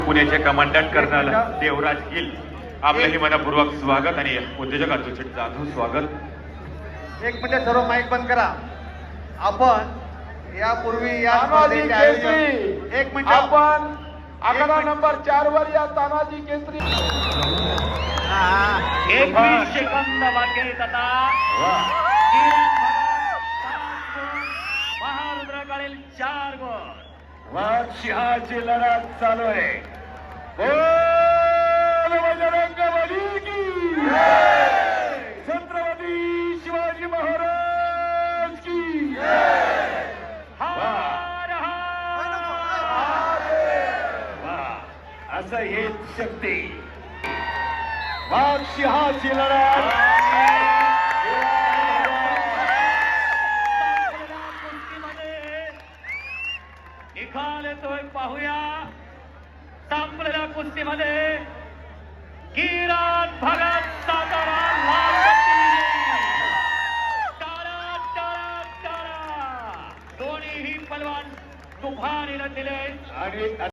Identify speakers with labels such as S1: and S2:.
S1: पुण्याचे commandant colonel देवराज hill आपलंही मनपूर्वक स्वागत आणि उद्योजक अतुल जाधव स्वागत।
S2: एक मिनिट सर्व माईक बंद करा। आपण यापूर्वी या
S3: एक मिनिट आपण आकडा नंबर 4 वर या तानाजी केसरी
S4: 21 सेकंद बाकी आहेत आता। महारुद्राकडील 4 गोल।
S3: सिंहाची लढत चालू आहे। बोल बजरंगबली की छत्रपती शिवाजी महाराज की असं हेच शक्ती वाघ सिंहाची लढत
S4: निकाल येतोय पाहूया। संपलेल्या कुस्तीमध्ये किरण भगत सातारा लाल दोन्हीही पलवान तुफान लढलेले
S3: आणि